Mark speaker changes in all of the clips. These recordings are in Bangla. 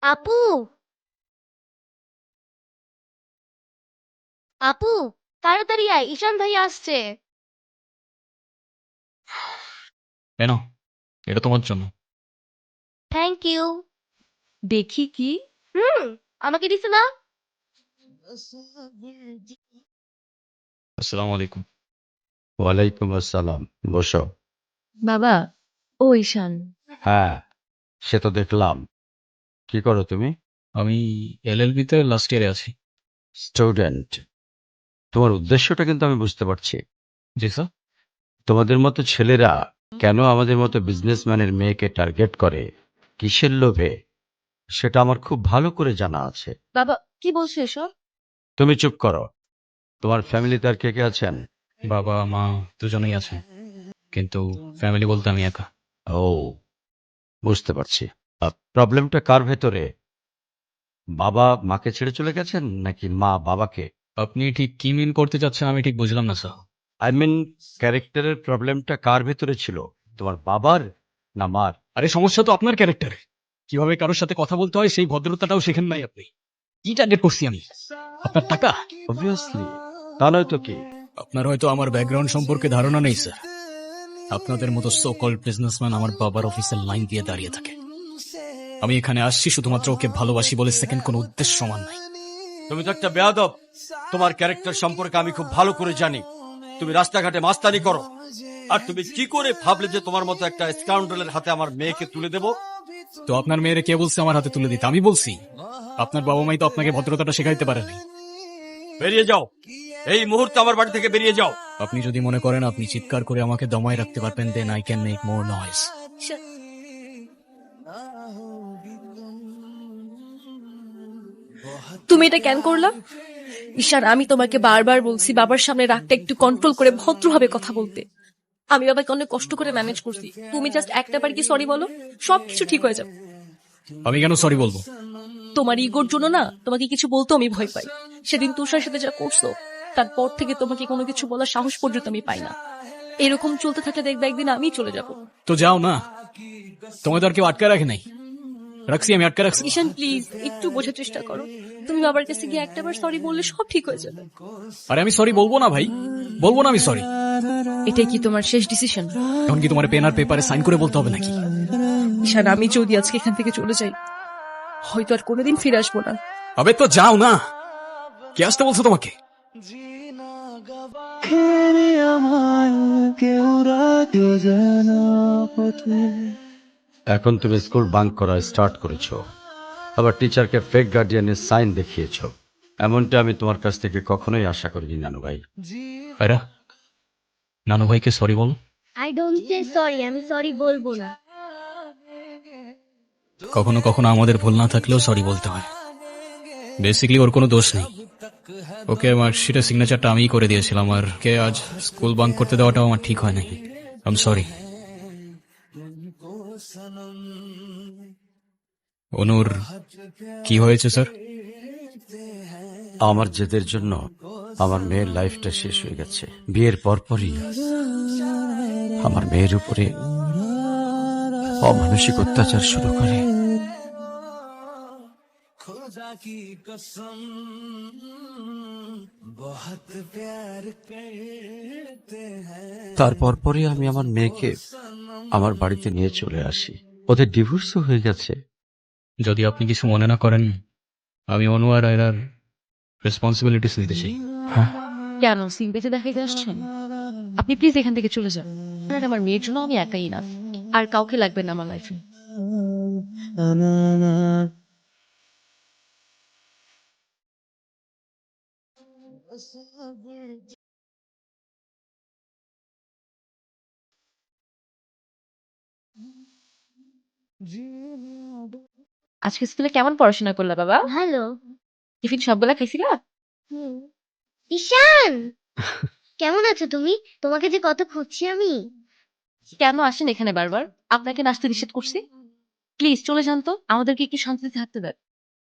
Speaker 1: আপু, আপু, তাড়াতাড়ি আয়, ঈশান ভাই আসছে।
Speaker 2: কেন? এটা তোমার জন্য।
Speaker 1: Thank you.
Speaker 3: দেখি কি?
Speaker 1: হুম, আমাকে দিছে না?
Speaker 2: আসসালামু আলাইকুম।
Speaker 4: ওয়ালাইকুম আসসালাম। বসো।
Speaker 3: বাবা, ও ঈশান।
Speaker 4: হ্যাঁ, সে তো দেখলাম। কি করো তুমি?
Speaker 2: আমি এলএলবি তে লাস্ট ইয়ারে আছি।
Speaker 4: স্টুডেন্ট। তোমার উদ্দেশ্যটা কিন্তু আমি বুঝতে পারছি।
Speaker 2: জি স্যার।
Speaker 4: তোমাদের মতো ছেলেরা কেন আমাদের মতো বিজনেসম্যানের মেয়েকে টার্গেট করে, কিসের লোভে, সেটা আমার খুব ভালো করে জানা আছে।
Speaker 3: বাবা, কি বলছো এসব?
Speaker 4: তুমি চুপ করো। তোমার ফ্যামিলিতে আর কে কে আছেন?
Speaker 2: বাবা মা দুজনেই আছেন, কিন্তু ফ্যামিলি বলতে আমি একা।
Speaker 4: ও, বুঝতে পারছি। প্রবলেমটা কার ভেতরে? বাবা মাকে ছেড়ে চলে গেছেন নাকি মা বাবাকে?
Speaker 2: আপনি ঠিক কি মিন করতে চাচ্ছেন আমি ঠিক বুঝলাম না স্যার।
Speaker 4: আই মিন, ক্যারেক্টারের প্রবলেমটা কার ভেতরে ছিল, তোমার বাবার না মার?
Speaker 2: আরে সমস্যা তো আপনার ক্যারেক্টারে। কিভাবে কারোর সাথে কথা বলতে হয় সেই ভদ্রতাটাও শেখেন নাই আপনি। কি টার্গেট করছি আমি? আপনার টাকা?
Speaker 4: অবভিয়াসলি। তা নয় তো কি?
Speaker 2: আপনার হয়তো আমার ব্যাকগ্রাউন্ড সম্পর্কে ধারণা নেই স্যার। আপনাদের মতো সো কল্ড বিজনেসম্যান আমার বাবার অফিসের লাইন দিয়ে দাঁড়িয়ে থাকে। আমি এখানে আসছি শুধুমাত্র ওকে ভালোবাসি বলে, সেকেন্ড কোনো উদ্দেশ্য সমান নাই।
Speaker 4: তুমি তো একটা বেয়াদব। তোমার ক্যারেক্টার সম্পর্কে আমি খুব ভালো করে জানি। তুমি রাস্তাঘাটে মাস্তানি করো। আর তুমি কি করে ভাবলে যে তোমার মতো একটা স্কাউন্ডারের হাতে আমার মেয়েকে তুলে দেব?
Speaker 2: তো আপনার মেয়েরে কে বলছে আমার হাতে তুলে দিতে? আমি বলছি। আপনার বাবা মাই তো আপনাকে ভদ্রতাটা শেখাইতে পারেনি।
Speaker 4: বেরিয়ে যাও, এই মুহূর্তে আমার বাড়ি থেকে বেরিয়ে যাও।
Speaker 2: আপনি যদি মনে করেন আপনি চিৎকার করে আমাকে দমায় রাখতে পারবেন, then I can make more noise.
Speaker 3: তুমি এটা কেন করলা? ঈশান, আমি তোমাকে বারবার বলছি বাবার সামনে রাগটা একটু কন্ট্রোল করে ভদ্রভাবে কথা বলতে। আমি বাবাকে অনেক কষ্ট করে ম্যানেজ করছি। তুমি জাস্ট একটা বার কি সরি বলো, সবকিছু ঠিক হয়ে যাবে।
Speaker 2: আমি কেন সরি বলবো?
Speaker 3: তোমার ইগোর জন্য না তোমাকে কিছু বলতেও আমি ভয় পাই। সেদিন তুষার সাথে যা করছো, তারপর থেকে তোমাকে কোনো কিছু বলার সাহস পর্যন্ত আমি পাই না। এরকম চলতে থাকলে দেখবে একদিন আমি চলে যাব।
Speaker 2: তো যাও না, তোমাদের আর কেউ আটকে রাখে নাই। রাখছি, আমি আটকে রাখছি।
Speaker 3: ঈশান প্লিজ একটু বোঝার চেষ্টা করো। তুমি বাবার কাছে গিয়ে একটাবার সরি বললে সব ঠিক হয়ে যাবে।
Speaker 2: আরে আমি সরি বলবো না ভাই, বলবো না আমি সরি।
Speaker 3: এটাই কি তোমার শেষ ডিসিশন?
Speaker 2: এখন কি তোমার পেন আর পেপারে সাইন করে বলতে হবে নাকি?
Speaker 3: ঈশান, আমি যদি আজকে এখান থেকে চলে যাই, হয়তো আর কোনোদিন ফিরে আসবো না।
Speaker 2: আবে তো যাও না, কে আসতে বলছো তোমাকে?
Speaker 4: এখন তুমি স্কুল বাঙ্ক করা স্টার্ট করেছো, আবার টিচারকে ফেক গার্ডিয়ানের সাইন দেখিয়েছো। এমনটা আমি তোমার কাছ থেকে কখনোই আশা করিনি নানু ভাই।
Speaker 2: আরে নানু ভাইকে সরি বল।
Speaker 1: আই ডোন্ট সে সরি, আমি সরি বলবো না।
Speaker 2: কখনো কখনো আমাদের ভুল না থাকলেও সরি বলতে হয়। বেসিক্যালি ওর কোনো দোষ নেই। ওকে মার্কশিটের সিগনেচারটা আমিই করে দিয়েছিলাম, আর কে আজ স্কুল বাঙ্ক করতে দেওয়াটাও আমার ঠিক হয় নাই। I am sorry. অনুর কি হয়েছে স্যার?
Speaker 4: আমার জেদের জন্য আমার মেয়ের লাইফটা শেষ হয়ে গেছে। বিয়ের পরপরই আমার মেয়ের উপরে অমানসিক অত্যাচার শুরু করে। তারপর পরে আমি আমার মেয়েকে আমার বাড়িতে নিয়ে চলে আসি। ওদের ডিভোর্সও হয়ে গেছে।
Speaker 2: যদি আপনি কিছু মনে না করেন, আমি অনু আর আয়রার রেসপন্সিবিলিটিস নিতে চাই।
Speaker 4: হ্যাঁ,
Speaker 3: কেন সিম বেঁচে দেখাইতে আসছেন? আপনি প্লিজ এখান থেকে চলে যান। আর আমার মেয়ের জন্য আমি একাই না, আর কাউকে লাগবে না আমার লাইফে। আজকে স্কুলে কেমন পড়াশোনা করলা বাবা?
Speaker 1: ভালো।
Speaker 3: টিফিন সবগুলা খাইছিলা?
Speaker 1: হুম। ঈশান, কেমন আছো তুমি? তোমাকে যে কত খুঁজছি আমি।
Speaker 3: কেন আসেন এখানে বারবার? আপনাকে নাচতে নিষেধ করছি? প্লিজ চলে যান তো, আমাদেরকে একটু শান্তিতে থাকতে দেন।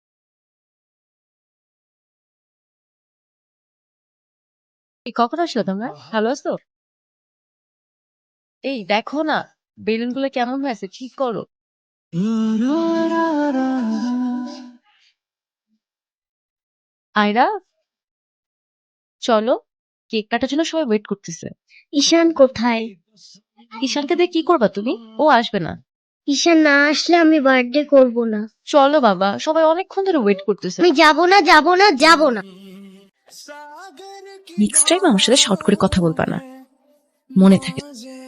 Speaker 3: এই কখন আসলো তোমরা? ভালো আছো? এই দেখো না, বেলুন গুলো কেমন হয়েছে, ঠিক করো। আয়রা, চলো, কেক কাটার জন্য সবাই ওয়েট করতেছে।
Speaker 1: ঈশান কোথায়?
Speaker 3: ঈশানকে দিয়ে কি করবা তুমি? ও আসবে না।
Speaker 1: ঈশান না আসলে আমি বার্থডে করব না।
Speaker 3: চলো বাবা, সবাই অনেকক্ষণ ধরে ওয়েট করতেছে।
Speaker 1: আমি যাব না, যাব না, যাব না।
Speaker 3: নেক্সট টাইম আমার সাথে শর্ট করে কথা বলবা না, মনে থাকে।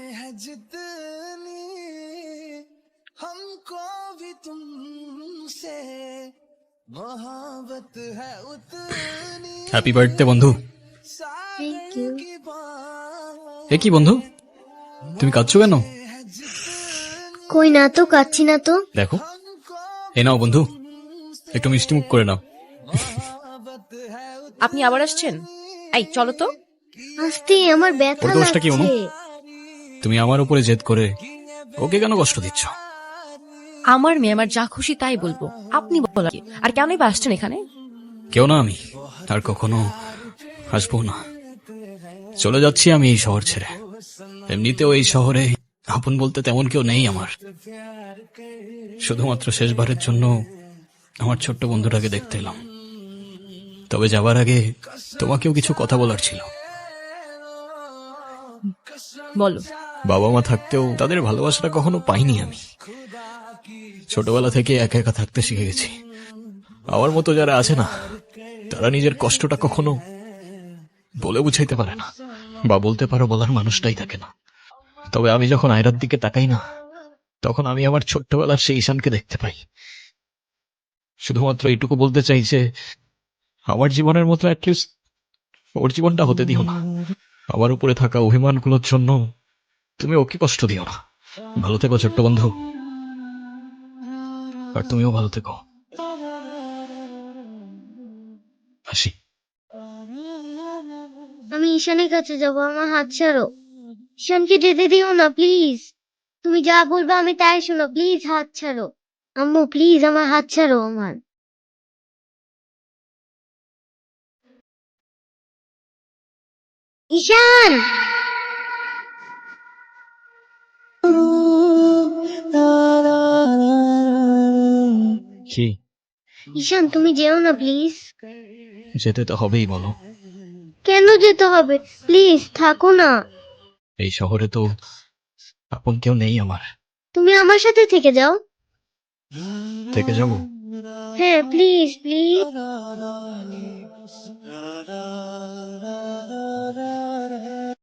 Speaker 2: হ্যাপি বার্থডে বন্ধু।
Speaker 1: Thank you.
Speaker 2: এ কি বন্ধু, তুমি কাঁদছো কেন?
Speaker 1: কই না তো, কাচ্ছি না তো।
Speaker 2: দেখো, এই নাও বন্ধু, একটু মিষ্টি মুখ করে নাও।
Speaker 3: আপনি আবার আসছেন? এই চলো তো।
Speaker 1: আস্তে, আমার ব্যথা
Speaker 2: ওর দোষটা কি অনু?
Speaker 1: লাগছে।
Speaker 2: তুমি আমার উপরে জেদ করে ওকে কেন কষ্ট দিচ্ছ?
Speaker 3: আমার মেয়ে আমার যা খুশি তাই বলবো, আপনি বলা কি? আর কেনই বা আসছেন এখানে?
Speaker 2: কেউ না আমি, আর কখনো আসবো না। চলে যাচ্ছি আমি এই শহর ছেড়ে। এমনিতেও এই শহরে আপন বলতে তেমন কেউ নেই আমার। শুধুমাত্র শেষবারের জন্য আমার ছোট্ট বন্ধুটাকে দেখতে এলাম। তবে যাবার আগে তোমাকেও কিছু কথা বলার ছিল।
Speaker 3: বলো।
Speaker 2: বাবা মা থাকতেও তাদের ভালোবাসাটা কখনো পাইনি আমি। ছোটবেলা থেকে একা একা থাকতে শিখে গেছি। আমার মতো যারা আছে না, তারা নিজের কষ্টটা কখনো বলে বুঝাইতে পারে না, বা বলতে পারো বলার মানুষটাই থাকে না। তবে আমি যখন আয়রার দিকে তাকাই না, তখন আমি আমার ছোট্টবেলার সেই ঈশানকে দেখতে পাই। শুধুমাত্র এইটুকু বলতে চাই যে আমার জীবনের মতো অ্যাটলিস্ট ওর জীবনটা হতে দিও না। আমার উপরে থাকা অভিমানগুলোর জন্য তুমি ওকে কষ্ট দিও না। ভালো থেকো ছোট্ট বন্ধু, আর তুমিও ভালো থেকো। আসি।
Speaker 1: আমি ঈশানের কাছে যাব, আমার হাত ছাড়ো। ঈশানকে যেতে দিও না প্লিজ। তুমি যা বলবে আমি তাই শোনো, প্লিজ হাত ছাড়ো। আম্মু প্লিজ আমার হাত ছাড়ো আমার। ঈশান!
Speaker 2: কি?
Speaker 1: ঈশান তুমি যেও না প্লিজ।
Speaker 2: যেতে তো হবেই বলো।
Speaker 1: কেন যেতে হবে? প্লিজ থাকো না।
Speaker 2: এই শহরে তো আপন কেউ নেই আমার।
Speaker 1: তুমি আমার সাথে থেকে যাও।
Speaker 2: থেকে যাবো?
Speaker 1: হ্যাঁ প্লিজ প্লিজ।